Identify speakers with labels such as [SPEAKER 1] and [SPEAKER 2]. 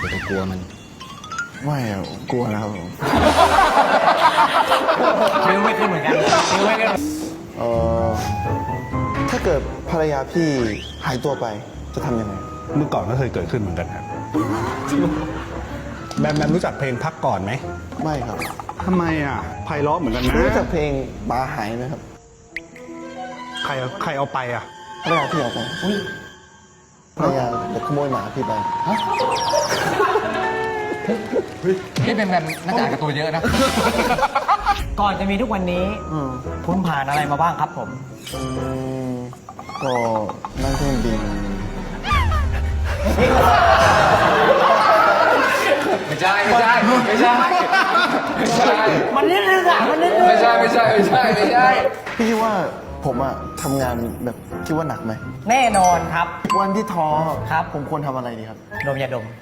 [SPEAKER 1] อย่าไปกลัวมัน
[SPEAKER 2] ไม่อะกลัวนะครับผม
[SPEAKER 3] คิ้วไม่ขึ้นเหมือนกันคิ้วไม่ขึ้น
[SPEAKER 2] ถ้าเกิดภรรยาพี่หายตัวไปจะทำยังไง
[SPEAKER 4] เมื่อก่อนก็เคยเกิดขึ้นเหมือนกันครับแบมรู้จักเพลงพักก่อนไหม
[SPEAKER 2] ไม่ครับ
[SPEAKER 4] ทำไมอ่ะไพเราะเหมือนกันนะ
[SPEAKER 2] รู้จักเพลงบาหายไหมครับ
[SPEAKER 4] ใครเอาไปอ่ะ
[SPEAKER 2] ภรรยาพี่เอาไปภรรยาเด็กขโมยหมาพี่ไป
[SPEAKER 1] พี่เป็นแบบนักอ่านการ์ตูนเยอะนะ
[SPEAKER 3] ก่อนจะมีทุกวันนี้ คุณผ่านอะไรมาบ้างครับผม
[SPEAKER 2] ก็นั่งเครื่องบิน
[SPEAKER 1] ไม่ใช่ไม่ใช่ไม่ใช่ไม่ใช่
[SPEAKER 3] มันนิดนึงอ่ะมันนิดนึง
[SPEAKER 1] ไม่ใช่ไม่ใช่ไม่ใช่ไม่ใช่
[SPEAKER 2] พี่คิดว่าผมอะทำงานแบบคิดว่าหนักไหม
[SPEAKER 3] แน่นอนครับ
[SPEAKER 2] วันที่ท้อ
[SPEAKER 3] ครับ
[SPEAKER 2] ผมควรทำอะไรดีครับ
[SPEAKER 3] ดมยาดม